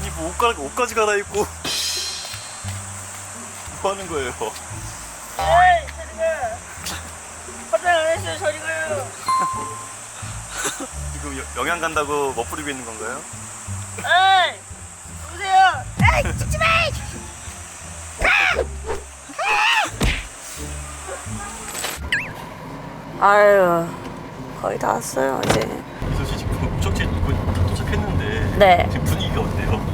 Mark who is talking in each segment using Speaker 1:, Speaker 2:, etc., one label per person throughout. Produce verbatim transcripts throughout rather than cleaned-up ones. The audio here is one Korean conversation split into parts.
Speaker 1: 아니 뭐 옷가, 옷까지 갈아입고 뭐 하는 거예요?
Speaker 2: 에이 저리 가. 화장 안 했어요. 저리 가요.
Speaker 1: 지금 여- 영양 간다고 멋부리고 있는 건가요?
Speaker 2: 에이 누구세요? 에이 찍지 마. 아유 거의 다 왔어요 이제.
Speaker 1: 이소 씨 지금 목적지 이거 다 도착했는데
Speaker 2: 네.
Speaker 1: 지금 분위기가 어때요?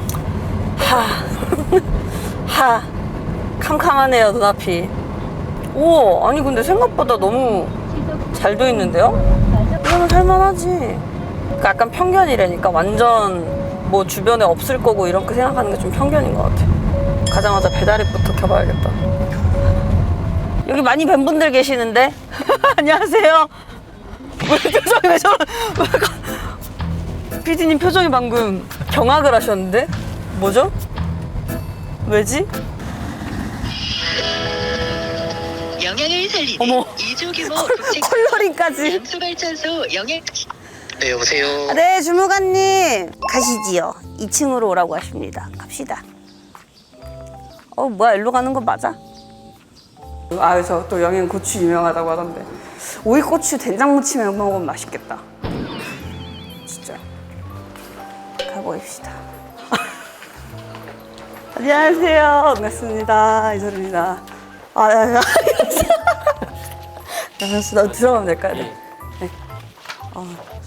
Speaker 2: 하, 하, 캄캄하네요 눈앞이. 오, 아니 근데 생각보다 너무 잘 돼 있는데요? 이거는 살만하지. 그 약간 편견이라니까 완전 뭐 주변에 없을 거고 이렇게 생각하는 게 좀 편견인 것 같아. 가자마자 배달앱부터 켜봐야겠다. 여기 많이 뵌 분들 계시는데 안녕하세요. 왜 표정이 왜 저런? 피디님 표정이 방금 경악을 하셨는데 뭐죠? 왜지?
Speaker 3: 영양을 살리는
Speaker 2: 어머.
Speaker 3: 이 조 규모 국책
Speaker 2: 컬러링까지.
Speaker 3: 양수발전소 영양. 네 여보세요.
Speaker 2: 네, 주무관님 가시지요. 이 층으로 오라고 하십니다. 갑시다. 어, 뭐야, 일로 가는 거 맞아? 아, 저 또 영양 고추 유명하다고 하던데. 오이고추 된장 무침에 먹으면 맛있겠다. 진짜. 가보입시다. 안녕하세요. 반갑습니다. 이소리입니다. 아, 야, 야. 반갑습니다. 들어가면 될까요? 네. 네. 어.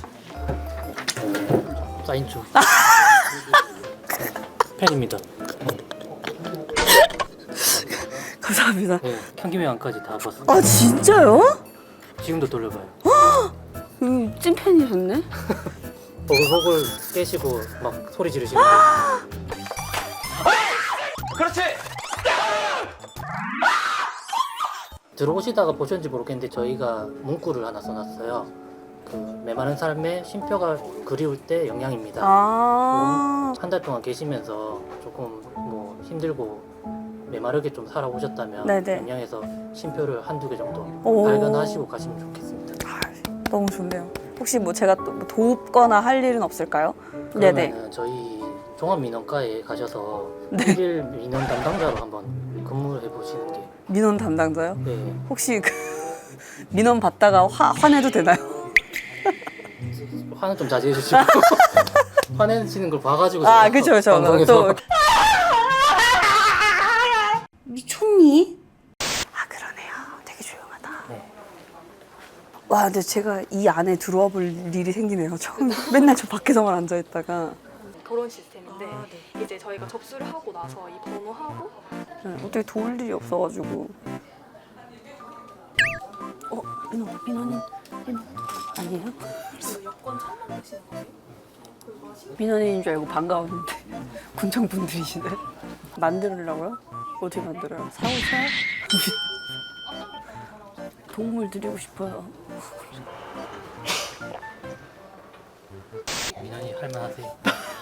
Speaker 4: 사인 좀. 팬입니다.
Speaker 2: 감사합니다.
Speaker 4: 네, 경기명안까지 다 봤어요.
Speaker 2: 아, 진짜요?
Speaker 4: 지금도 돌려봐요.
Speaker 2: 음, 찐팬이셨네?
Speaker 4: 보글보글 깨시고 막 소리 지르시는 거.
Speaker 1: 그렇지!
Speaker 4: 들어오시다가 보셨는지 모르겠는데 저희가 문구를 하나 써놨어요. 그 메마른 삶의 쉼표가 그리울 때 영양입니다.
Speaker 2: 아,
Speaker 4: 한 달 동안 계시면서 조금 뭐 힘들고 메마르게 좀 살아오셨다면
Speaker 2: 네네.
Speaker 4: 영양에서 쉼표를 한두 개 정도
Speaker 2: 오.
Speaker 4: 발견하시고 가시면 좋겠습니다.
Speaker 2: 너무 좋네요. 혹시 뭐 제가 또뭐 돕거나 할 일은 없을까요? 네네.
Speaker 4: 그러면은 저희 종합민원과에 가셔서
Speaker 2: 네.
Speaker 4: 일일 민원 담당자로 한번 근무를 해보시는 게.
Speaker 2: 민원 담당자요?
Speaker 4: 네.
Speaker 2: 혹시 그 민원 받다가 화, 화내도 되나요?
Speaker 4: 화는 좀 자제해 주시고 화내시는 걸 봐가지고
Speaker 2: 아,
Speaker 4: 제가
Speaker 2: 그쵸, 그쵸.
Speaker 4: 방송에서
Speaker 2: 또. 미쳤니? 아, 그러네요. 되게 조용하다.
Speaker 4: 네.
Speaker 2: 와, 근데 제가 이 안에 들어와 볼 일이 생기네요. 처음 맨날 저 밖에서만 앉아 있다가.
Speaker 5: 결혼 시스템인데 이제 저희가 접수를 하고 나서 이 번호하고
Speaker 2: 네, 어떻게 도울 일이 없어가지고. 어, 민원, 민원인, 민원 아니에요?
Speaker 5: 그 여권 찾는 되시는 거예요?
Speaker 2: 민원인인 줄 알고 반가웠는데 군청 분들이시네. 만들으려고요? 어떻게 만들어요? 사오셔요? 도움을 드리고 싶어요.
Speaker 4: 민원이 할만하세요.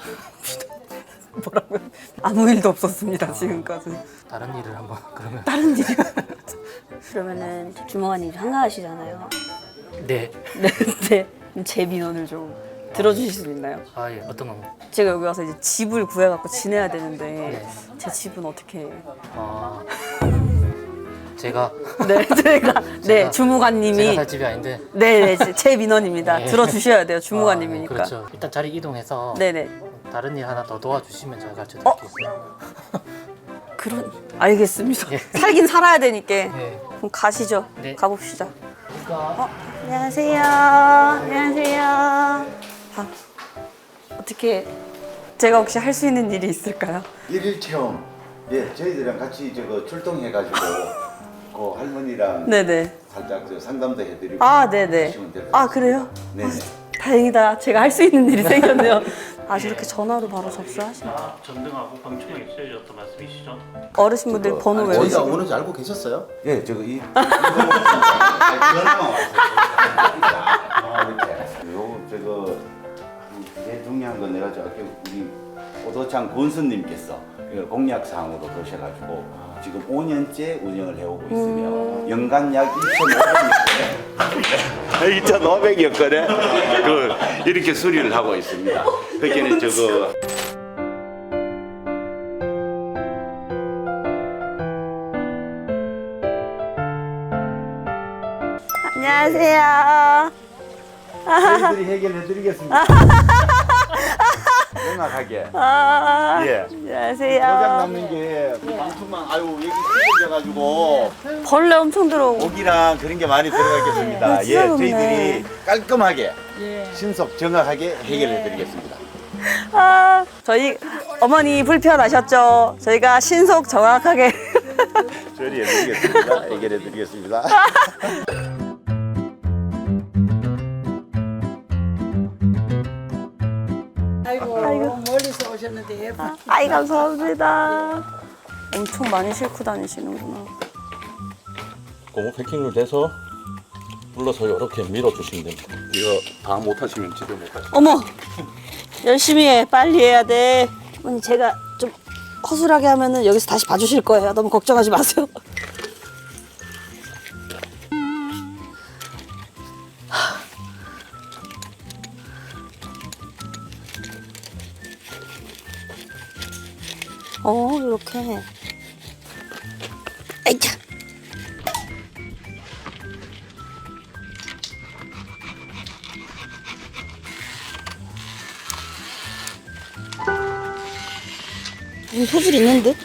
Speaker 2: 뭐라고요? 아무 일도 없었습니다 지금까지.
Speaker 4: 다른 일을 한번 그러면.
Speaker 2: 다른 일이요? 그러면은 주무관님 한가하시잖아요.
Speaker 4: 네.
Speaker 2: 네, 네. 제 민원을 좀 들어주실 수 있나요?
Speaker 4: 아 예. 어떤 거?
Speaker 2: 제가 여기 와서 이제 집을 구해갖고 지내야 되는데
Speaker 4: 네.
Speaker 2: 제 집은 어떻게?
Speaker 4: 아 제가
Speaker 2: 네, 제가 네
Speaker 4: 제가
Speaker 2: 주무관님이
Speaker 4: 살 집이 아닌데.
Speaker 2: 네, 네, 제 민원입니다.
Speaker 4: 네.
Speaker 2: 들어주셔야 돼요,
Speaker 4: 아,
Speaker 2: 주무관님이니까.
Speaker 4: 그렇죠. 일단 자리 이동해서
Speaker 2: 네네.
Speaker 4: 다른 일 하나 더 도와주시면 제가 가르쳐
Speaker 2: 어?
Speaker 4: 드릴게요.
Speaker 2: 그런 알겠습니다.
Speaker 4: 예.
Speaker 2: 살긴 살아야 되니까.
Speaker 4: 네.
Speaker 2: 그럼 가시죠.
Speaker 4: 네.
Speaker 2: 가봅시다. 어, 안녕하세요. 안녕하세요. 아, 어떻게 제가 혹시 할 수 있는 일이 있을까요?
Speaker 6: 일일 체험. 예, 저희들이랑 같이 저거 출동해가지고 그 할머니랑
Speaker 2: 네네.
Speaker 6: 살짝 저 상담도 해드리고.
Speaker 2: 아, 네네.
Speaker 6: 하시면 돼요.
Speaker 2: 아, 그래요?
Speaker 6: 네네.
Speaker 2: 다행이다. 제가 할 수 있는 일이 생겼네요. 아, 저렇게 전화로 바로 접수하시네.
Speaker 7: 전등하고 방충망 있어야셨던 말씀이시죠?
Speaker 2: 어르신분들 번호
Speaker 6: 아니,
Speaker 2: 외우시고.
Speaker 6: 저희가
Speaker 8: 오는지 알고 계셨어요?
Speaker 6: 예, 저거 이 전화만 왔어요. 아, 이렇게. 요 저거 제일 중요한 건 내가 저 아까 우리 오도창 권수님께서 공약 사항으로 도셔가지고 지금 오 년째 운영을 해오고 있으며 연간 약 이천오백이었거든. 그 이렇게 수리를 하고 있습니다. 그러니까 저거
Speaker 2: 안녕하세요.
Speaker 6: 저희들이 해결해 드리겠습니다. 정확하게.
Speaker 2: 아,
Speaker 6: 예.
Speaker 2: 안녕하세요.
Speaker 6: 도장 남는 게 방충망 아유 여기 찢어져가지고
Speaker 2: 벌레 엄청 들어오고.
Speaker 6: 고기랑 그런 게 많이 들어가겠습니다.
Speaker 2: 아,
Speaker 6: 예,
Speaker 2: 진짜 좋네.
Speaker 6: 저희들이 깔끔하게 신속 정확하게 해결해 드리겠습니다.
Speaker 2: 아, 저희 어머니 불편하셨죠? 저희가 신속 정확하게.
Speaker 6: 처리해 드리겠습니다. 해결해 드리겠습니다.
Speaker 8: 아이고, 멀리서 오셨는데 예쁘.
Speaker 2: 아이, 감사합니다. 엄청 많이 싣고 다니시는구나.
Speaker 1: 고무 패킹으로 돼서 눌러서 이렇게 밀어주시면 됩니다. 이거 다 못하시면 집에 못 가시죠.
Speaker 2: 어머, 열심히 해. 빨리 해야 돼. 어머니, 제가 좀 허술하게 하면은 여기서 다시 봐주실 거예요. 너무 걱정하지 마세요. 어, 이렇게. 아이차. 음, 소질 있는 듯?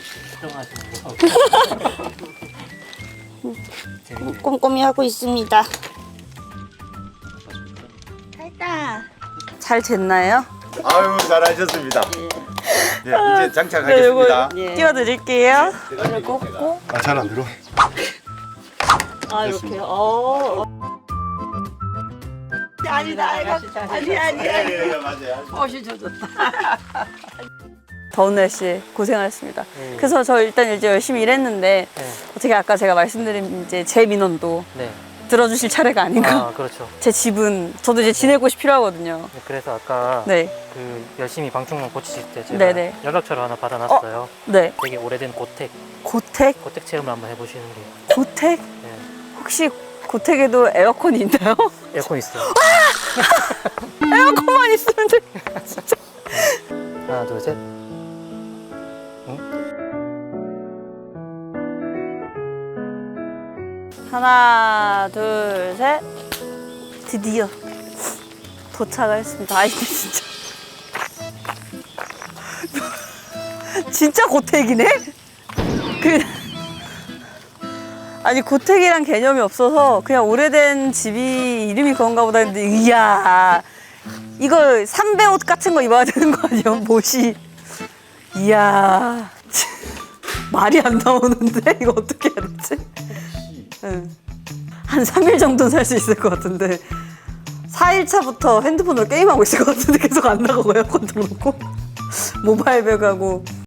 Speaker 2: 꼼꼼히 하고 있습니다. 됐다. 잘 됐나요?
Speaker 6: 아유 잘하셨습니다. 네, 이제
Speaker 2: 네,
Speaker 6: 장착하겠습니다.
Speaker 2: 요거 띄워드릴게요. 이걸 꽂고.
Speaker 6: 아, 잘 안 들어.
Speaker 2: 아, 이렇게. 어. 아니다, 아니다. 아니, 아니,
Speaker 6: 네, 네, 맞아요.
Speaker 8: 옷이 젖었다.
Speaker 2: 더운 날씨에 고생하셨습니다. 그래서 저 일단 이제 열심히 일했는데
Speaker 4: 네.
Speaker 2: 어떻게 아까 제가 말씀드린 이제 제 민원도
Speaker 4: 네.
Speaker 2: 들어주실 차례가 아닌가.
Speaker 4: 아, 그렇죠.
Speaker 2: 제 집은 저도 이제 지낼 곳이 필요하거든요.
Speaker 4: 네, 그래서 아까
Speaker 2: 네,
Speaker 4: 그 열심히 방충망 고치실 때 제가
Speaker 2: 네네.
Speaker 4: 연락처를 하나 받아놨어요.
Speaker 2: 네.
Speaker 4: 되게 오래된 고택,
Speaker 2: 고택,
Speaker 4: 고택 체험을 한번 해보시는 게.
Speaker 2: 고택.
Speaker 4: 네.
Speaker 2: 혹시 고택에도 에어컨이 있나요?
Speaker 4: 에어컨 있어요.
Speaker 2: 에어컨만 있으면 돼. 진짜.
Speaker 4: 하나, 둘, 셋.
Speaker 2: 하나, 둘, 셋. 드디어 도착을 했습니다. 아이, 진짜. 진짜 고택이네? 그, 아니, 고택이란 개념이 없어서 그냥 오래된 집이 이름이 그런가 보다 했는데, 이야. 이거 삼배 옷 같은 거 입어야 되는 거 아니에요? 못이. 이야. 말이 안 나오는데? 이거 어떻게 해야 되지? 응. 한 삼 일 정도는 살 수 있을 것 같은데 사 일 차부터 핸드폰으로 게임하고 있을 것 같은데 계속 안 나가고 에어컨 틀어놓고 모바일 배가고